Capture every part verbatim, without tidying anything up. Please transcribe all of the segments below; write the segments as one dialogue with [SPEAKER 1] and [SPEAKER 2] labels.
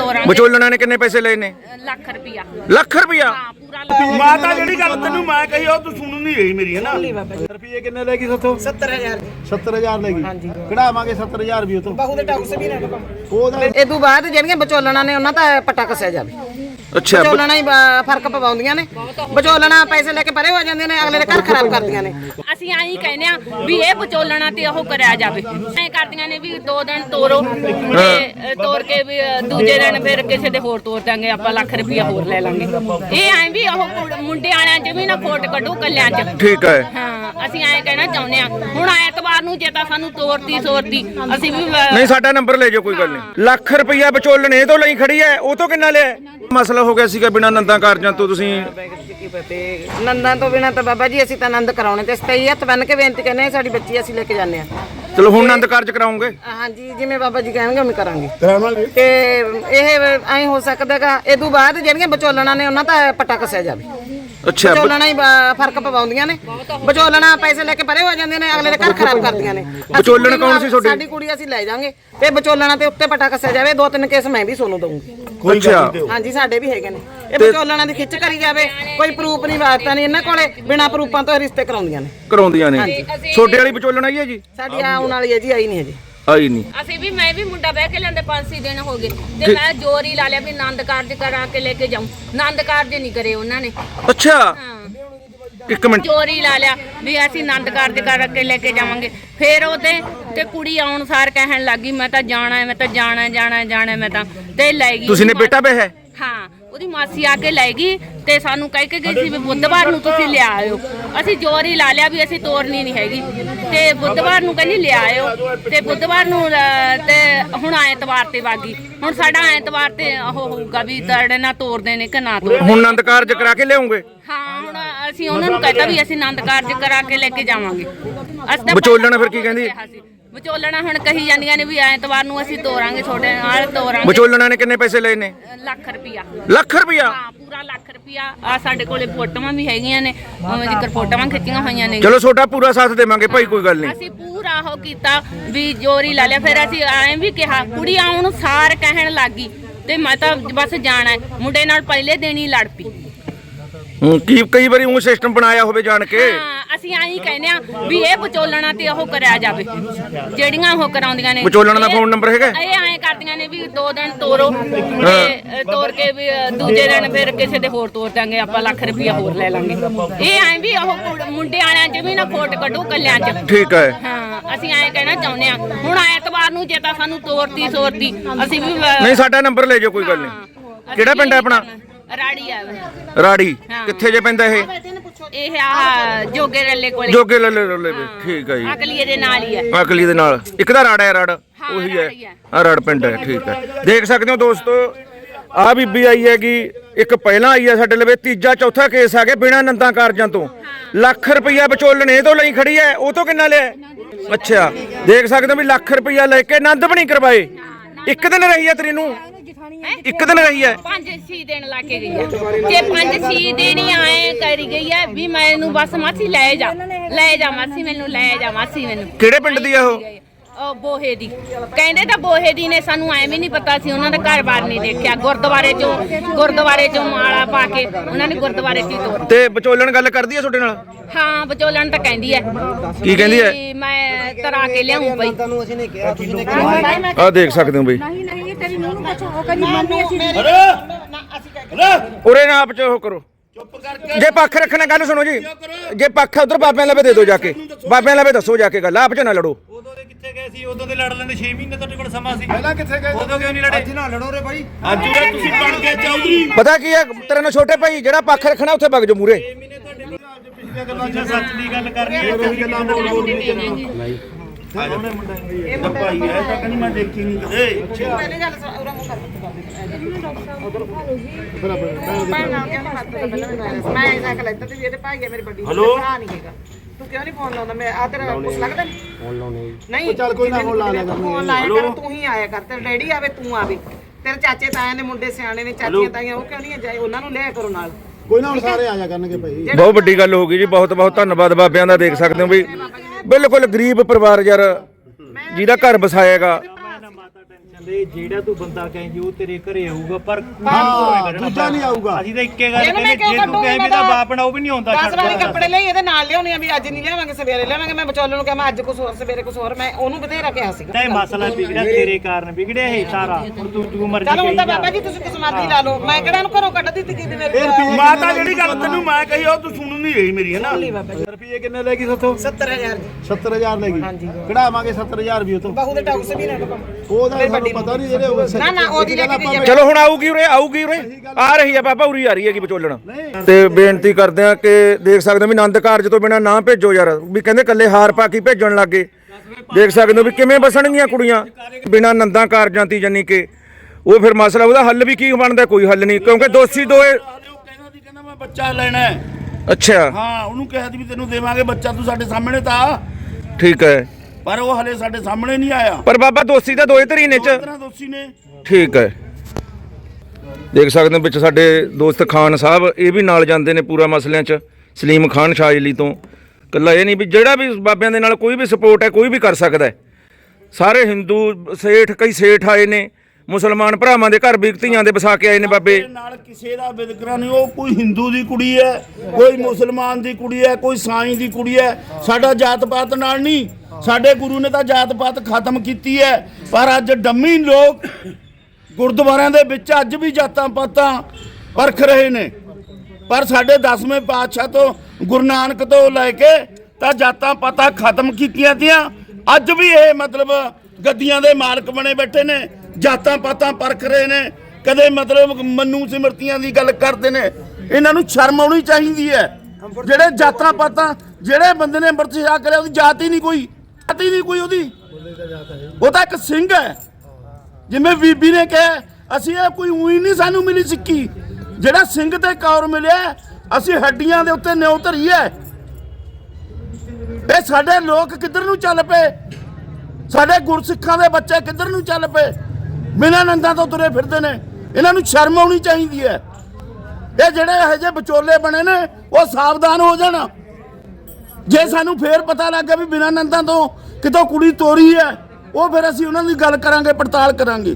[SPEAKER 1] ਤੋਰਾਂਗੇ।
[SPEAKER 2] ਵਿਚੋਲਣਾ ਨੇ ਕਿੰਨੇ ਪੈਸੇ ਲਏ ਨੇ?
[SPEAKER 1] ਲੱਖ ਰੁਪਿਆ।
[SPEAKER 2] ਲੱਖ ਰੁਪਿਆ?
[SPEAKER 1] ਹਾਂ ਪੂਰਾ ਲੱਖ।
[SPEAKER 3] ਮਾਤਾ ਜਿਹੜੀ ਗੱਲ ਤੈਨੂੰ ਮੈਂ ਕਹੀ ਉਹ ਤੂੰ ਸੁਣ ਨਹੀਂ ਰਹੀ ਮੇਰੀ ਹੈ ਨਾ।
[SPEAKER 4] ਰੁਪਏ ਕਿੰਨੇ ਲੈ ਗਈ ਸਾਥੋਂ?
[SPEAKER 5] ਸੱਤਰ ਹਜ਼ਾਰ
[SPEAKER 4] ਸੱਤਰ ਹਜ਼ਾਰ ਲੈ ਗਈ। ਕਢਾਵਾਂਗੇ ਸੱਤਰ ਹਜ਼ਾਰ ਵੀ ਉਹ ਤੋਂ।
[SPEAKER 5] ਬਹੂ ਦੇ ਟੈਕਸ ਵੀ ਨਾ
[SPEAKER 4] ਉਹਦਾ
[SPEAKER 5] ਇਹ ਤੋਂ ਬਾਅਦ ਜਿਹੜੀਆਂ ਵਿਚੋਲਣਾ ਨੇ ਉਹਨਾਂ ਦਾ ਪੱਟਾ ਕੱਸਿਆ ਜਾਵੇ।
[SPEAKER 2] ਅੱਛਾ
[SPEAKER 5] ਵਿਚੋਲਣਾ ਹੀ ਬ- ਫਰਕ ਪਵਾਉਂਦੀਆਂ ਨੇ। ਵਿਚੋਲਣਾ ਪੈਸੇ ਲੈ ਕੇ ਪਰੇ ਹੋ ਜਾਂਦੇ ਨੇ, ਅਗਲੇ ਦੇ ਘਰ ਖਰਾਬ ਕਰਦੀਆਂ ਨੇ।
[SPEAKER 1] ਅਸੀਂ ਆਈ ਕਹਿੰਦੇ ਆ ਵੀ ਇਹ ਵਿਚੋਲਣਾ ਤੇ ਉਹ ਕਰਿਆ ਜਾਵੇ। ਐ ਕਰਦੀਆਂ ਨੇ ਵੀ ਦੋ ਦਿਨ ਤੋਰੋ ਤੇ ਅ, ਤੋਰ ਕੇ ਵੀ ਅ, ਦੂਜੇ ਦਿਨ ਫਿਰ ਕਿਸੇ ਦੇ ਹੋਰ ਤੋਰ ਦਾਂਗੇ ਆਪਾਂ ਲੱਖ ਰੁਪਇਆ ਹੋਰ ਲੈ ਲਾਂਗੇ। ਇਹ ਐ ਵੀ ਉਹ ਕੁੜ- ਮੁੰਡੇ ਵਾਲਿਆਂ 'ਚ ਵੀ ਨਾ ਖੋਟ ਕੱਢੋ ਕੱਲਿਆਂ 'ਚ।
[SPEAKER 2] ਠੀਕ ਹੈ।
[SPEAKER 1] ਹਾਂ ਅਸੀਂ ਐ ਕਹਿਣਾ ਚਾਹੁੰਦੇ ਆ ਹੁਣ ਐਤਵਾਰ ਨੂੰ ਜੇ ਤਾਂ ਸਾਨੂੰ ਤੋਰਤੀ ਸੋਰਤੀ ਅਸੀਂ ਵੀ ਅ,
[SPEAKER 2] ਨਹੀਂ ਸਾਡਾ ਨੰਬਰ ਲੈ ਜਾਓ ਕੋਈ ਗੱਲ ਨਹੀਂ। ਲੱਖ ਰੁਪਇਆ ਵਿਚੋਲਣੇ ਤੋਂ ਲਈ ਖੜੀ ਹੈ, ਉਹ ਤੋਂ ਕਿੰਨਾ ਲਿਆ? ਮਸਲਾ ਹੋ ਗਿਆ ਸੀਗਾ ਬਿਨਾਂ ਨੰਦਾਂ ਕਾਰਜਾਂ ਤੋਂ ਤੁਸੀਂ।
[SPEAKER 5] ਨੰਦਾਂ ਤੋਂ ਬਿਨਾਂ ਤਾਂ ਬਾਬਾ ਜੀ ਅਸੀਂ ਤਾਂ ਆਨੰਦ ਕਰਾਉਣੇ ਤੇ ਸਤਈ ਹੱਥ ਬੰਨ ਕੇ ਬੇਨਤੀ ਕਰਨੇ ਆ, ਸਾਡੀ ਬੱਚੀ ਅਸੀਂ ਲੈ ਕੇ ਜਾਂਦੇ ਆ।
[SPEAKER 2] ਚਲੋ ਹੁਣ ਆਨੰਦ ਕਾਰਜ ਕਰਾਉਂਗੇ?
[SPEAKER 5] ਹਾਂਜੀ ਜਿਵੇਂ ਬਾਬਾ ਜੀ ਕਹਿਣਗੇ ਉਵੇਂ ਕਰਾਂਗੇ।
[SPEAKER 4] ਕਰਾਵਾਂਗੇ।
[SPEAKER 5] ਤੇ ਇਹ ਐਂ ਹੋ ਸਕਦਾਗਾ ਇਹ ਤੋਂ ਬਾਅਦ ਜਿਹੜੀਆਂ ਵਿਚੋਲਣਾ ਨੇ ਉਹਨਾਂ ਦਾ ਪੱਟਾ ਕੱਸਿਆ ਜਾਵੇ।
[SPEAKER 2] ਅੱਛਾ
[SPEAKER 5] ਵਿਚੋਲਣਾ ਹੀ ਬ- ਫਰਕ ਪਵਾਉਂਦੀਆਂ ਨੇ। ਵਿਚੋਲਣਾ ਪੈਸੇ ਲੈ ਕੇ ਪਰੇ ਹੋ ਜਾਂਦੇ ਨੇ, ਅਗਲੇ ਦੇ ਘਰ ਖਰਾਬ ਕਰਦੀਆਂ ਨੇ। ਅਸੀਂ
[SPEAKER 2] ਵਿਚੋਲਣ
[SPEAKER 5] ਕੁੜੀ ਨੂੰ
[SPEAKER 2] ਕੌਣ ਸੀ ਤੁਹਾਡੀ?
[SPEAKER 5] ਸਾਡੀ ਕੁੜੀ ਅਸੀਂ ਲੈ ਜਾਾਂਗੇ ਤੇ ਵਿਚੋਲਣਾ ਤੇ ਉੱਤੇ ਪੱਟਾ ਕੱਸਿਆ ਜਾਵੇ। ਦੋ ਤਿੰਨ ਕੇਸ ਮੈਂ ਵੀ ਸੋਨੂੰ ਦਊਂਗੀ।
[SPEAKER 2] ਅੱਛਾ
[SPEAKER 5] ਹਾਂਜੀ ਸਾਡੇ ਵੀ ਹੈਗੇ ਨੇ। ਇਹ ਵਿਚੋਲਣਾ ਦੀ ਖਿੱਚ ਕਰੀ ਜਾਵੇ, ਕੋਈ ਪ੍ਰੂਫ ਨਹੀਂ ਵਾਸਤਾ ਨਹੀਂ ਇਹਨਾਂ ਕੋਲੇ, ਬਿਨਾਂ ਪ੍ਰੂਫਾਂ ਤੋਂ ਰਿਸ਼ਤੇ ਕਰਾਉਂਦੀਆਂ ਨੇ।
[SPEAKER 2] ਕਰਾਉਂਦੀਆਂ ਨੇ। ਛੋਟੇ ਵਾਲੀ ਵਿਚੋਲਣ ਆਈ ਹੈ ਜੀ?
[SPEAKER 5] ਸਾਡੀ ਆਉਣ ਵਾਲੀ ਹੈ ਜੀ, ਆਈ ਨਹੀਂ ਹਜੇ।
[SPEAKER 2] ਆਈ ਨਹੀਂ।
[SPEAKER 1] ਅਸੀਂ ਵੀ ਮੈਂ ਵੀ ਮੁੰਡਾ ਬਹਿ ਕੇ ਲੈਂਦੇ ਪੰਜ ਛੇ ਦਿਨ ਹੋ ਗਏ ਤੇ ਮੈਂ ਜ਼ੋਰ ਹੀ ਲਾ ਲਿਆ ਵੀ ਆਨੰਦ ਕਾਰਜ ਕਰਾ ਕੇ ਲੈ ਕੇ ਜਾਉਂ। ਆਨੰਦ ਕਾਰਜ ਨਹੀਂ ਕਰੇ ਉਹਨਾਂ ਨੇ।
[SPEAKER 2] ਅੱਛਾ
[SPEAKER 1] ਹਾਂ
[SPEAKER 2] ਇੱਕ ਮਿੰਟ।
[SPEAKER 1] ਚੋਰੀ ਲਾ ਲਿਆ ਵੀ ਅਸੀਂ ਆਨੰਦ ਕਾਰਜ ਕਰਕੇ ਲੈ ਕੇ ਜਾਵਾਂਗੇ। ਫਿਰ ਉਹਦੇ ਤੇ ਕੁੜੀ ਆਉਣ ਸਾਰ ਕਹਿਣ ਲੱਗੀ ਮੈਂ ਤਾਂ ਜਾਣਾ ਹੈ, ਮੈਂ ਤਾਂ ਜਾਣਾ ਹੈ, ਜਾਣਾ ਹੈ, ਜਾਣਾ ਹੈ, ਮੈਂ ਤਾਂ ਤੇ ਲੈ ਗਈ।
[SPEAKER 2] ਤੁਸੀਂ ਨੇ ਬੇਟਾ ਵੇ ਹੈ?
[SPEAKER 1] ਹਾਂ ਉਹਦੀ ਮਾਸੀ ਆ ਕੇ ਲੈ ਗਈ ਤੇ ਸਾਨੂੰ ਕਹਿ ਕੇ ਗਈ ਸੀ ਵੀ ਬੁੱਧਵਾਰ ਨੂੰ ਤੁਸੀਂ ਲਿਆ ਆਇਓ। ਅਸੀਂ ਜ਼ੋਰ ਹੀ ਲਾ ਲਿਆ ਵੀ ਅਸੀਂ ਤੋਰਨੀ ਨਹੀਂ ਹੈਗੀ ਤੇ ਬੁੱਧਵਾਰ ਨੂੰ ਕਹਿੰਦੀ ਲਿਆ ਆਇਓ ਤੇ ਬੁੱਧਵਾਰ ਨੂੰ ਅ, ਤੇ ਹੁਣ ਐਤਵਾਰ ਤੇ ਵਾਗੀ। ਹੁਣ ਸਾਡਾ ਐਤਵਾਰ ਤੇ ਉਹ ਹੋਊਗਾ ਵੀ ਤੜੇ ਨਾ ਤੋਰਦੇ ਨੇ ਕਿ ਨਾ ਤੋਰਦੇ।
[SPEAKER 2] ਹੁਣ ਆਨੰਦ ਕਾਰਜ ਕਰਾ ਕੇ ਲਿਆਉਂਗੇ?
[SPEAKER 1] ਹਾਂ ਹੁਣ ਅਸੀਂ ਉਹਨਾਂ ਨੂੰ ਕਹਿਤਾ ਵੀ ਅਸੀਂ ਆਨੰਦ ਕਾਰਜ ਕਰਾ ਕੇ ਲੈ ਕੇ ਜਾਵਾਂਗੇ। ਅਸੀਂ ਤਾਂ
[SPEAKER 2] ਵਿਚੋਲਣਾ ਫਿਰ ਕੀ ਕਹਿੰਦੀ?
[SPEAKER 1] ਵਿਚੋਲਣਾ ਹੁਣ ਕਹੀ ਜਾਂਦੀਆਂ ਨੇ ਵੀ ਐਤਵਾਰ ਨੂੰ ਅਸੀਂ ਤੋਰਾਂਗੇ, ਤੁਹਾਡੇ ਨਾਲ ਤੋਰਾਂਗੇ।
[SPEAKER 2] ਵਿਚੋਲਣਾ ਨੇ ਕਿੰਨੇ ਪੈਸੇ ਲਏ ਨੇ?
[SPEAKER 1] ਲੱਖ ਰੁਪਿਆ।
[SPEAKER 2] ਲੱਖ ਰੁਪਇਆ?
[SPEAKER 1] ਹਾਂ ਪੂਰਾ ਲੱਖ ਰੁਪਿਆ। ਆ ਸਾਡੇ ਕੋਲੇ ਫੋਟੋਆਂ ਵੀ ਹੈਗੀਆਂ ਨੇ, ਉਵੇਂ ਦੀ ਫੋਟੋਆਂ ਖਿੱਚੀਆਂ ਹੋਈਆਂ ਨੇ।
[SPEAKER 2] ਚਲੋ ਤੁਹਾਡਾ ਪੂਰਾ ਸਾਥ ਦੇਵਾਂਗੇ ਭਾਈ, ਕੋਈ ਗੱਲ ਨਹੀਂ।
[SPEAKER 1] ਅਸੀਂ ਪੂਰਾ ਉਹ ਕੀਤਾ ਵੀ ਜੋਰੀ ਲਾ ਲਿਆ। ਫਿਰ ਅਸੀਂ ਐਂ ਵੀ ਕਿਹਾ, ਕੁੜੀ ਆਉਣ ਸਾਰ ਕਹਿਣ ਲੱਗੀ ਤੇ ਮੈਂ ਤਾਂ ਬਸ ਜਾਣਾ। ਮੁੰਡੇ ਨਾਲ ਪਹਿਲੇ ਦਿਨ ਹੀ ਲੜ ਪਈ।
[SPEAKER 2] ਹੂੰ ਕੀ ਕਈ ਵਾਰੀ ਉਹ ਸਿਸਟਮ ਬਣਾਇਆ ਹੋਵੇ ਜਾਣ ਕੇ?
[SPEAKER 1] ਹਾਂ ਅਸੀਂ ਆਈ ਕਹਿੰਦੇ ਆ ਵੀ ਇਹ ਵਿਚੋਲਣਾ ਤੇ ਉਹ ਕਰਿਆ ਜਾਵੇ ਜਿਹੜੀਆਂ ਉਹ ਕਰਾਉਂਦੀਆਂ ਨੇ।
[SPEAKER 2] ਵਿਚੋਲਣ ਦਾ ਫੋਨ ਨੰਬਰ ਹੈਗਾ?
[SPEAKER 1] ਇਹ ਐਂ ਕਰਦੀਆਂ ਨੇ ਵੀ ਦੋ ਦਿਨ ਤੋਰੋ ਤੇ ਅ, ਤੋਰ ਕੇ ਵੀ ਅ, ਦੂਜੇ ਦਿਨ ਫਿਰ ਕਿਸੇ ਦੇ ਹੋਰ ਤੋਰ ਦਾਂਗੇ ਆਪਾਂ ਲੱਖ ਰੁਪਇਆ ਹੋਰ ਲੈ ਲਾਂਗੇ। ਇਹ ਐਂ ਵੀ ਉਹ ਕੁੜ- ਮੁੰਡੇ ਵਾਲਿਆਂ 'ਚ ਵੀ ਨਾ ਖੋਟ ਕੱਢੋ ਕੱਲਿਆਂ 'ਚ।
[SPEAKER 2] ਠੀਕ ਹੈ।
[SPEAKER 1] ਹਾਂ ਅਸੀਂ ਐਂ ਕਹਿਣਾ ਚਾਹੁੰਦੇ ਆ ਹੁਣ ਐਤਵਾਰ ਨੂੰ ਜੇ ਤਾਂ ਸਾਨੂੰ ਤੋਰਤੀ ਸੋਰਤੀ ਅਸੀਂ ਵੀ ਅ,
[SPEAKER 2] ਨਹੀਂ ਸਾਡਾ ਨੰਬਰ ਲੈ ਜਾਓ ਕੋਈ ਗੱਲ ਨਹੀਂ। ਕਿਹੜਾ ਪਿੰਡ ਹੈ ਆਪਣਾ?
[SPEAKER 1] ਰਾੜੀ ਆ
[SPEAKER 2] ਰਾੜੀ।
[SPEAKER 1] ਹਾਂ।
[SPEAKER 2] ਕਿੱਥੇ ਜੇ ਪੈਂਦਾ ਇਹ?
[SPEAKER 1] ਇਹ ਆ ਜੋਗੇ ਰੱਲੇ ਕੋਲੇ।
[SPEAKER 2] ਜੋਗੇ ਲੱਲੇ ਲੱਲੇ ਵੇ। ਠੀਕ ਹੈ ਜੀ।
[SPEAKER 1] ਅਕਲੀਏ ਦੇ ਨਾਲ ਹੀ ਆ।
[SPEAKER 2] ਅਕਲੀ ਦੇ ਨਾਲ ਇੱਕ ਦਾ ਰੜ ਹੈ, ਰੜ ਉਹੀ ਹੈ।
[SPEAKER 1] ਰੜ ਹੀ ਹੈ।
[SPEAKER 2] ਆ ਰੜ ਪਿੰਡ ਹੈ। ਠੀਕ ਹੈ। ਦੇਖ ਸਕਦੇ ਹੋ ਦੋਸਤੋ ਆ ਬੀਬੀ ਆਈ ਹੈਗੀ, ਇੱਕ ਪਹਿਲਾਂ ਆਈ ਹੈ ਸਾਡੇ ਲਵੇ, ਤੀਜਾ ਚੌਥਾ ਕੇਸ ਆ ਗਿਆ ਬਿਨਾਂ ਨੰਦਾਂ ਕਾਰਜਾਂ ਤੋਂ। ਲੱਖ ਰੁਪਈਆ ਵਿਚੋਲਣੇ ਤੋਂ ਲਈ ਖੜੀ ਹੈ, ਉਹ ਤੋਂ ਕਿੰਨਾ ਲਿਆ? ਅੱਛਾ ਦੇਖ ਸਕਦੇ ਹੋ ਵੀ ਲੱਖ ਰੁਪਈਆ ਲੈ ਕੇ ਨੰਦ ਵੀ ਨਹੀਂ ਕਰਵਾਏ। ਇੱਕ ਦਿਨ ਰਹੀ ਹੈ ਤੇਰੀ ਨੂੰ? ਇੱਕ ਦਿਨ ਰਹੀ ਹੈ?
[SPEAKER 1] ਪੰਜ ਛੇ ਦਿਨ ਲਾ ਕੇ ਗਈ ਹੈ ਤੇ ਪੰਜ ਛੇ ਦਿਨ ਹੀ ਆਏ ਕਰੀ ਗਈ ਹੈ ਵੀ ਮੈਨੂੰ ਬਸ ਮਾਸੀ ਲੈ ਜਾ ਲੈ ਜਾ ਮਾਸੀ ਮੈਨੂੰ ਲੈ ਜਾ ਮਾਸੀ ਮੈਨੂੰ।
[SPEAKER 2] ਕਿਹੜੇ ਪਿੰਡ ਦੀ ਆ ਉਹ?
[SPEAKER 1] ਉਹ ਬੋਹੇ ਦੀ ਕਹਿੰਦੇ ਤਾਂ ਬੋਹੇ ਦੀ ਨੇ, ਸਾਨੂੰ ਐਵੇਂ ਨਹੀਂ ਪਤਾ ਸੀ, ਉਹਨਾਂ ਦਾ ਘਰ-ਬਾਰ ਨਹੀਂ ਦੇਖਿਆ। ਗੁਰਦੁਆਰੇ ਚੋਂ ਗੁਰਦੁਆਰੇ ਚੋਂ ਮਾਲਾ ਪਾ ਕੇ ਉਹਨਾਂ ਨੇ ਗੁਰਦੁਆਰੇ 'ਚ ਹੀ ਤੋਰ।
[SPEAKER 2] ਤੇ ਵਿਚੋਲਣ ਗੱਲ ਕਰਦੀ ਹੈ ਤੁਹਾਡੇ ਨਾਲ?
[SPEAKER 1] ਹਾਂ ਵਿਚੋਲਣ ਤਾਂ ਕਹਿੰਦੀ ਹੈ।
[SPEAKER 2] ਕੀ ਕਹਿੰਦੀ ਹੈ?
[SPEAKER 1] ਵੀ ਮੈਂ ਤਰਾ ਕੇ ਲਿਆਉਂ ਬਈ।
[SPEAKER 5] ਤੁਹਾਨੂੰ ਅਸੀਂ ਨੇ ਕਿਹਾ, ਤੁਸੀਂ ਨੇ ਕਿਹਾ
[SPEAKER 2] ਆ ਦੇਖ ਸਕਦੇ ਹੋ ਬਈ।
[SPEAKER 6] ਨਹੀਂ ਨਹੀਂ ਤੇਰੀ ਨੂੰਹ ਨੂੰ ਪੁੱਛੋ, ਉਹ ਕਹਿੰਦੀ ਮੰਮੀ ਅਸੀਂ
[SPEAKER 2] ਉਰੇ ਨਾ ਆਪ ਚ ਉਹ ਕਰੋ। ਜੇ ਪੱਖ ਰੱਖਣਾ ਗੱਲ ਸੁਣੋ ਜੀ, ਜੇ ਪੱਖ ਉਧਰ ਬਾਬਿਆਂ ਲਵੇ ਦੇ ਦਿਓ ਜਾ ਕੇ, ਬਾਬਿਆਂ ਲਵੇ ਦੱਸੋ ਜਾ ਕੇ ਗੱਲ, ਆਪ ਚ ਨਾ ਲੜੋ।
[SPEAKER 3] ਉਦੋਂ ਦੇ ਕਿੱਥੇ ਗਏ ਸੀ? ਉਦੋਂ ਦੇ ਲੜ ਲੈਂਦੇ ਛੇ ਮਹੀਨੇ ਤੁਹਾਡੇ ਕੋਲ ਸਮਾਂ ਸੀ।
[SPEAKER 4] ਪਹਿਲਾਂ ਕਿੱਥੇ ਗਏ?
[SPEAKER 3] ਉਦੋਂ ਕਿਉਂ ਨਹੀਂ ਲੜੇ?
[SPEAKER 4] ਅੱਜ ਨਾ ਲੜੋ ਰੇ ਬਾਈ।
[SPEAKER 3] ਅੱਜ ਉਰੇ ਤੁਸੀਂ ਬਣ ਗਏ ਚੌਧਰੀ।
[SPEAKER 2] ਪਤਾ ਕੀ ਹੈ ਤੇਰੇ ਨਾਲ ਛੋਟੇ ਭਾਈ, ਜਿਹੜਾ ਪੱਖ ਰੱਖਣਾ ਉੱਥੇ ਵਗ ਜਾ ਮੂਰੇ।
[SPEAKER 3] ਪਿਛਲੀਆਂ ਗੱਲਾਂ ਚ ਸੱਚ ਦੀ ਗੱਲ ਕਰਨੀ ਹੈ। ਉਹੀ ਗੱਲਾਂ ਬੋਲ ਬੋਲ ਨਹੀਂ ਕਰਨੀ। ਉਹਨੇ ਮੁੰਡਾ ਇਹ ਭਾਈ ਹੈ ਤਾਂ ਕਹਿੰਦੀ ਮੈਂ ਦੇਖੀ ਨਹੀਂ ਕਦੇ।
[SPEAKER 5] ਪਹਿਲੇ ਗੱਲ ਉਹਦਾ ਮੂੰਹ ਕਰ ਮੈਂ ਐਸਾ ਕਰ ਲੈਂਦਾ ਤੇ ਇਹਦੇ ਭਾਈ ਹੈ ਮੇਰੀ ਵੱਡੀ ਭਰਾ ਨਹੀਂ ਹੈਗਾ। ਤੂੰ ਕਿਉਂ ਨਹੀਂ ਫੋਨ ਲਾਉਂਦਾ? ਮੈਂ ਆ ਤੇਰਾ ਕੁਛ ਲੱਗਦਾ ਨਹੀਂ? ਫੋਨ ਲਾਉਣੇ ਨਹੀਂ
[SPEAKER 4] ਚੱਲ ਕੋਈ ਨਾ ਫੋਨ ਲਾ ਲੈ
[SPEAKER 5] ਫੋਨ ਲਾਇਆ ਕਰ, ਤੂੰ ਹੀ ਆਇਆ ਕਰ। ਤੇ ਡੈਡੀ ਆਵੇ ਤੂੰ ਆਵੇ, ਤੇਰੇ ਚਾਚੇ ਤਾਇਆਂ ਦੇ ਮੁੰਡੇ ਸਿਆਣੇ ਨੇ, ਚਾਚੀਆਂ ਤਾਈਆਂ ਉਹ ਕਿਉਂ ਨਹੀਂ ਜਾਏ? ਉਹਨਾਂ ਨੂੰ ਲਿਆ ਕਰੋ ਨਾਲ।
[SPEAKER 4] ਕੋਈ ਨਾ ਹੁਣ ਸਾਰੇ ਆ ਜਾ ਕਰਨਗੇ ਭਾਈ।
[SPEAKER 2] ਬਹੁਤ ਵੱਡੀ ਗੱਲ ਹੋ ਗਈ ਜੀ। ਬਹੁਤ ਬਹੁਤ ਧੰਨਵਾਦ ਬਾਬਿਆਂ ਦਾ। ਦੇਖ ਸਕਦੇ ਹੋ ਵੀ ਬਿਲਕੁਲ ਗਰੀਬ ਪਰਿਵਾਰ ਯਾਰ ਜਿਹਦਾ ਘਰ ਵਸਾਏਗਾ।
[SPEAKER 7] ਬੰਦੇ ਜਿਹੜਾ ਤੂੰ ਬੰਦਾ ਕਹੇਂਗੀ ਉਹ ਤੇਰੇ ਘਰੇ ਆਊਗਾ ਪਰ
[SPEAKER 4] ਹਾਂ ਦੂਜਾ ਨਹੀਂ ਆਊਗਾ।
[SPEAKER 7] ਅਸੀਂ ਤਾਂ ਇੱਕੇ ਗੱਲ
[SPEAKER 5] ਇਹਨੂੰ ਮੈਂ
[SPEAKER 7] ਕਹਿੰਦੇ
[SPEAKER 5] ਕਿਉਂ
[SPEAKER 7] ਜੇ ਤੂੰ ਕਹੇ ਵੀ ਤਾਂ ਬਾਪ ਨਾ ਉਹ ਵੀ ਨਹੀਂ ਆਉਂਦਾ
[SPEAKER 5] ਦਸ ਵਾਰੀ ਕੱਪੜੇ ਲਈ ਇਹਦੇ ਨਾਲ ਲਿਆਉਣੀ ਆ ਵੀ ਅੱਜ ਨਹੀਂ ਲਿਆਵਾਂਗੇ ਸਵੇਰੇ ਲਿਆਵਾਂਗੇ। ਮੈਂ ਵਿਚੋਲਣ ਨੂੰ ਕਿਹਾ ਮੈਂ ਅੱਜ ਕੁਛ ਹੋਰ ਸਵੇਰੇ ਕੁਛ ਹੋਰ, ਮੈਂ ਉਹਨੂੰ ਬਥੇਰਾ ਕਿਹਾ ਸੀਗਾ।
[SPEAKER 7] ਤੇ ਮਸਲਾ ਵਿਗੜਿਆ ਤੇਰੇ ਕਾਰਨ ਵਿਗੜਿਆ ਇਹ ਸਾਰਾ। ਹੁਣ ਤੂੰ ਤੂੰ ਮਰਜ਼ੀ
[SPEAKER 5] ਚਲ ਹੁਣ ਤਾਂ
[SPEAKER 7] ਕਹੀ ਜਾ।
[SPEAKER 5] ਬਾਬਾ ਜੀ ਤੁਸੀਂ ਕਿਸ ਮਰਜ਼ੀ ਲਾ ਲਓ, ਮੈਂ ਕਿਹੜਾ ਨੂੰ ਘਰੋਂ ਕੱਢ ਦਿੱਤੀ ਕੀ ਮੇਰੇ
[SPEAKER 3] ਮਾਤਾ ਜਿਹੜੀ ਗੱਲ ਤੈਨੂੰ ਮੈਂ ਕਹੀ ਉਹ ਤੂੰ ਸੁਣ ਨਹੀਂ ਰਹੀ ਮੇਰੀ ਹੈ ਨਾ।
[SPEAKER 4] ਰੁਪਏ ਕਿੰਨੇ ਲੈ ਗਈ ਸਾਥੋਂ?
[SPEAKER 5] ਸੱਤਰ ਹਜ਼ਾਰ ਜੀ
[SPEAKER 4] ਸੱਤਰ ਹਜ਼ਾਰ ਲੈ ਗਈ। ਕਢਾਵਾਂਗੇ ਸੱਤਰ ਹਜ਼ਾਰ ਵੀ ਉਹ ਤੋਂ।
[SPEAKER 5] ਬਹੂ ਦੇ ਟਾਕਸ ਵੀ ਨਾ
[SPEAKER 4] ਉਹਦਾ ਸਾਨੂੰ ਪਤਾ ਨਹੀਂ ਜਿਹੜੇ ਉਹ
[SPEAKER 5] ਨਾ ਨਾ ਉਹਦੀ ਲੈ ਕੇ ਗਈ
[SPEAKER 2] ਚਲੋ ਹੁਣ ਆਊਗੀ ਉਰੇ ਆਊਗੀ ਉਰੇ ਆ ਰਹੀ ਆ ਬਾਬਾ ਉਰੀ ਆ ਰਹੀ ਹੈਗੀ ਵਿਚੋਲਣ ਤੇ ਬੇਨਤੀ ਕਰਦੇ ਆ ਕਿ ਦੇਖ ਸਕਦੇ ਹੋ ਵੀ ਆਨੰਦ ਕਾਰਜ ਤੋਂ ਬਿਨਾ ਨਾ ਭੇਜੋ ਯਾਰ ਵੀ ਕਹਿੰਦੇ ਕੱਲੇ ਹਾਰ ਪਾ ਕੇ ਭੇਜਣ ਲੱਗੇ। ਦੇਖ ਸਕਦੇ ਹੋ ਵੀ ਕਿਵੇਂ ਬਸਣਗੀਆਂ ਕੁੜੀਆਂ ਬਿਨਾ ਨੰਦਾਂ ਕਾਰਜਾਂ ਤੀ ਜਾਨੀ ਕਿ ਉਹ ਫਿਰ ਮਸਲਾ ਉਹਦਾ ਹੱਲ ਵੀ ਕੀ ਬਣਦਾ, ਕੋਈ ਹੱਲ ਨਹੀਂ ਕਿਉਂਕਿ ਦੋਸ਼ੀ ਦੋਏ।
[SPEAKER 3] ਕਹਿੰਦਾ ਸੀ ਕਹਿੰਦਾ ਮੈਂ ਬੱਚਾ ਲੈਣਾ ਹੈ।
[SPEAKER 2] ਅੱਛਾ
[SPEAKER 3] ਹਾਂ ਉਹਨੂੰ ਕਿਹਾ ਸੀ ਵੀ ਤੈਨੂੰ ਦੇਵਾਂਗੇ ਬੱਚਾ, ਤੂੰ ਸਾਡੇ ਸਾਹਮਣੇ ਤਾਂ।
[SPEAKER 2] ਠੀਕ ਹੈ
[SPEAKER 3] ਪਰ ਉਹ ਹਲੇ ਸਾਡੇ ਸਾਹਮਣੇ ਨਹੀਂ ਆਇਆ।
[SPEAKER 2] ਪਰ ਬਾਬਾ ਦੋਸ਼ੀ ਤਾਂ ਦੋਏ ਧਰੀਨੇ ਚ।
[SPEAKER 3] ਤਰ੍ਹਾਂ ਦੋਸ਼ੀ ਨੇ।
[SPEAKER 2] ਠੀਕ ਹੈ ਦੇਖ ਸਕਦੇ ਹੋ ਵਿੱਚ ਸਾਡੇ ਦੋਸਤ ਖਾਨ ਸਾਹਿਬ ਇਹ ਵੀ ਨਾਲ ਜਾਂਦੇ ਨੇ ਪੂਰਾ ਮਸਲਿਆਂ 'ਚ। ਸਲੀਮ ਖਾਨ ਸ਼ਾਜਲੀ ਤੋਂ ਇਕੱਲਾ ਇਹ ਨਹੀਂ ਵੀ ਜਿਹੜਾ ਵੀ ਬਾਬਿਆਂ ਦੇ ਨਾਲ ਕੋਈ ਵੀ ਸਪੋਰਟ ਹੈ ਕੋਈ ਵੀ ਕਰ ਸਕਦਾ ਹੈ। ਸਾਰੇ ਹਿੰਦੂ ਸੇਠ ਕਈ ਸੇਠ ਆਏ ਨੇ, ਮੁਸਲਮਾਨ ਭਰਾਵਾਂ ਦੇ ਘਰ ਵੀ ਧੀਆਂ ਦੇ ਵਸਾ ਕੇ ਆਏ ਨੇ ਬਾਬੇ।
[SPEAKER 3] ਨਾਲ ਕਿਸੇ ਦਾ ਵਿਤਕਰਾ ਨਹੀਂ। ਉਹ ਕੋਈ ਹਿੰਦੂ ਦੀ ਕੁੜੀ ਹੈ, ਕੋਈ ਮੁਸਲਮਾਨ ਦੀ ਕੁੜੀ ਹੈ, ਕੋਈ ਸਾਈਂ ਦੀ ਕੁੜੀ ਹੈ। ਸਾਡਾ ਜਾਤ ਪਾਤ ਨਾਲ ਨਹੀਂ। ਸਾਡੇ ਗੁਰੂ ਨੇ ਤਾਂ ਜਾਤ ਪਾਤ ਖਤਮ ਕੀਤੀ ਹੈ। ਪਰ ਅੱਜ ਡੰਮੀ ਲੋਕ ਗੁਰਦੁਆਰਿਆਂ ਦੇ ਵਿੱਚ ਅੱਜ ਵੀ ਜਾਤਾਂ ਪਾਤਾਂ ਪਰਖ ਰਹੇ ਨੇ। ਪਰ ਸਾਡੇ ਦਸਵੇਂ ਪਾਤਸ਼ਾਹ ਤੋਂ ਗੁਰੂ ਨਾਨਕ ਤੋਂ ਲੈ ਕੇ ਤਾਂ ਜਾਤਾਂ ਪਾਤਾਂ ਖਤਮ ਕੀਤੀਆਂ ਤੀਆਂ। ਅੱਜ ਵੀ ਇਹ ਮਤਲਬ ਗੱਦੀਆਂ ਦੇ ਮਾਲਕ ਬਣੇ ਬੈਠੇ ਨੇ, ਜਾਤਾਂ ਪਾਤਾਂ ਪਰਖ ਰਹੇ ਨੇ। ਕਦੇ ਮਤਲਬ ਮਨੂ ਸਿਮਰਤੀਆਂ ਦੀ ਗੱਲ ਕਰਦੇ ਨੇ। ਇਹਨਾਂ ਨੂੰ ਸ਼ਰਮ ਆਉਣੀ ਚਾਹੀਦੀ ਹੈ। ਜਿਹੜੇ ਜਾਤਾਂ ਪਾਤਾਂ ਜਿਹੜੇ ਬੰਦੇ ਨੇ ਅੰਮ੍ਰਿਤ ਛਕਾ ਕਰਿਆ ਉਹਦੀ ਜਾਤ ਹੀ ਨਹੀਂ ਕੋਈ, ਜਾਤ ਹੀ ਨਹੀਂ ਕੋਈ ਉਹਦੀ। ਉਹ ਤਾਂ ਇੱਕ ਸਿੰਘ ਹੈ। ਜਿਵੇਂ ਬੀਬੀ ਨੇ ਕਿਹਾ ਅਸੀਂ ਇਹ ਕੋਈ ਉਹੀ ਨਹੀਂ ਸਾਨੂੰ ਮਿਲੀ ਸਿੱਕੀ। ਜਿਹੜਾ ਸਿੰਘ ਤੇ ਕੌਰ ਮਿਲਿਆ ਅਸੀਂ ਹੱਡੀਆਂ ਦੇ ਉੱਤੇ ਨਿਉ ਧਰੀ ਹੈ। ਇਹ ਸਾਡੇ ਲੋਕ ਕਿੱਧਰ ਨੂੰ ਚੱਲ ਪਏ? ਸਾਡੇ ਗੁਰਸਿੱਖਾਂ ਦੇ ਬੱਚੇ ਕਿੱਧਰ ਨੂੰ ਚੱਲ ਪਏ? ਬਿਨਾਂ ਨੰਦਾਂ ਤੋਂ ਤੁਰੇ ਫਿਰਦੇ ਨੇ। ਇਹਨਾਂ ਨੂੰ ਸ਼ਰਮ ਆਉਣੀ ਚਾਹੀਦੀ ਹੈ। ਇਹ ਜਿਹੜੇ ਇਹੋ ਜਿਹੇ ਵਿਚੋਲੇ ਬਣੇ ਨੇ ਉਹ ਸਾਵਧਾਨ ਹੋ ਜਾਣ। ਜੇ ਸਾਨੂੰ ਫੇਰ ਪਤਾ ਲੱਗ ਗਿਆ ਵੀ ਬਿਨਾਂ ਨੰਦਾਂ ਤੋਂ ਕਿਤੋਂ ਕੁੜੀ ਤੋਰੀ ਹੈ, ਉਹ ਫਿਰ ਅਸੀਂ ਉਹਨਾਂ ਦੀ ਗੱਲ ਕਰਾਂਗੇ, ਪੜਤਾਲ ਕਰਾਂਗੇ।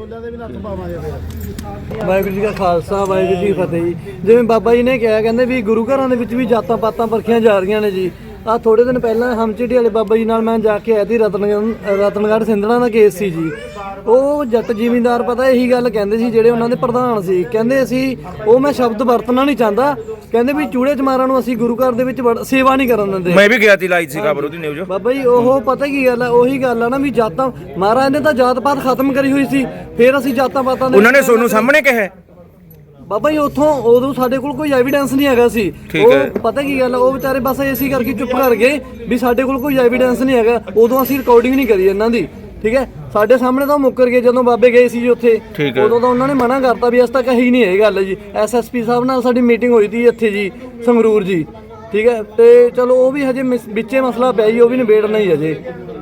[SPEAKER 8] ਵਾਹਿਗੁਰੂ ਜੀ ਕਾ ਖਾਲਸਾ ਵਾਹਿਗੁਰੂ ਜੀ ਕੀ ਫਤਿਹ ਜੀ। ਜਿਵੇਂ ਬਾਬਾ ਜੀ ਨੇ ਕਿਹਾ, ਕਹਿੰਦੇ ਵੀ ਗੁਰੂ ਘਰਾਂ ਦੇ ਵਿੱਚ ਵੀ ਜਾਤਾਂ ਪਾਤਾਂ ਪਰਖੀਆਂ ਜਾ ਰਹੀਆਂ ਨੇ ਜੀ। ਆ ਥੋੜੇ ਦਿਨ ਪਹਿਲਾਂ ਹਮਚਿੜੀ ਵਾਲੇ ਬਾਬਾ ਜੀ ਨਾਲ ਮੈਂ ਜਾ ਕੇ ਆਇਆ ਸੀ। ਰਤਨਗੜ੍ਹ ਰਤਨਗੜ੍ਹ ਸਿੰਧਣਾ ਦਾ ਕੇਸ ਸੀ ਜੀ। ਉਹ ਜੱਟ ਜ਼ਿਮੀਂਦਾਰ ਪਤਾ ਇਹੀ ਗੱਲ ਕਹਿੰਦੇ ਸੀ ਜਿਹੜੇ ਉਹਨਾਂ ਦੇ ਪ੍ਰਧਾਨ ਸੀ। ਕਹਿੰਦੇ ਅਸੀਂ ਉਹ ਮੈਂ ਸ਼ਬਦ ਵਰਤਣਾ ਨਹੀਂ ਚਾਹੁੰਦਾ, ਕਹਿੰਦੇ ਵੀ ਚੂੜੇ ਚਮਾਰਾਂ ਨੂੰ ਅਸੀਂ ਗੁਰੂ ਘਰ ਦੇ ਵਿੱਚ ਸੇਵਾ ਨਹੀਂ ਕਰਨ ਦਿੰਦੇ।
[SPEAKER 2] ਮੈਂ ਵੀ ਗਿਆ ਸੀ ਲਾਈ ਸੀ ਖਬਰ ਉਹਦੀ ਨਿਊਜ਼।
[SPEAKER 8] ਬਾਬਾ ਜੀ ਉਹ ਪਤਾ ਕੀ ਗੱਲ ਆ, ਉਹੀ ਗੱਲ ਆ ਨਾ ਵੀ ਜਾਤਾਂ ਮਹਾਰਾਜ ਨੇ ਤਾਂ ਜਾਤ ਪਾਤ ਖਤਮ ਕਰੀ ਹੋਈ ਸੀ। ਫਿਰ ਅਸੀਂ ਜਾਤਾਂ ਪਾਤਾਂ
[SPEAKER 2] ਉਹਨਾਂ ਨੇ ਤੁਹਾਨੂੰ ਸਾਹਮਣੇ ਕਿਹਾ
[SPEAKER 8] ਬਾਬਾ ਜੀ ਉੱਥੋਂ ਉਦੋਂ ਸਾਡੇ ਕੋਲ ਕੋਈ ਐਵੀਡੈਂਸ ਨਹੀਂ ਹੈਗਾ ਸੀ। ਉਹ ਪਤਾ ਕੀ ਗੱਲ ਉਹ ਵਿਚਾਰੇ ਬਸ ਇਸੇ ਕਰਕੇ ਚੁੱਪ ਕਰ ਗਏ ਵੀ ਸਾਡੇ ਕੋਲ ਕੋਈ ਐਵੀਡੈਂਸ ਨਹੀਂ ਹੈਗਾ। ਉਦੋਂ ਅਸੀਂ ਰਿਕਾਰਡਿੰਗ ਨਹੀਂ ਕਰੀ ਇਹਨਾਂ ਦੀ। ਠੀਕ ਹੈ ਸਾਡੇ ਸਾਹਮਣੇ ਤਾਂ ਮੁੱਕਰ ਗਏ ਜਦੋਂ ਬਾਬੇ ਗਏ ਸੀ ਜੀ ਉੱਥੇ। ਉਦੋਂ ਤਾਂ ਉਹਨਾਂ ਨੇ ਮਨਾ ਕਰਤਾ ਵੀ ਅਸ ਤਾਂ ਕਹੀ ਨਹੀਂ ਇਹ ਗੱਲ ਜੀ। ਐਸ ਐਸ ਪੀ ਸਾਹਿਬ ਨਾਲ ਸਾਡੀ ਮੀਟਿੰਗ ਹੋਈ ਸੀ ਇੱਥੇ ਜੀ ਸੰਗਰੂਰ ਜੀ। ਠੀਕ ਹੈ ਤੇ ਚਲੋ ਉਹ ਵੀ ਹਜੇ ਵਿੱਚੇ ਮਸਲਾ ਪਿਆ ਜੀ, ਉਹ ਵੀ ਨਿਬੇੜਨਾ ਹੀ ਹਜੇ।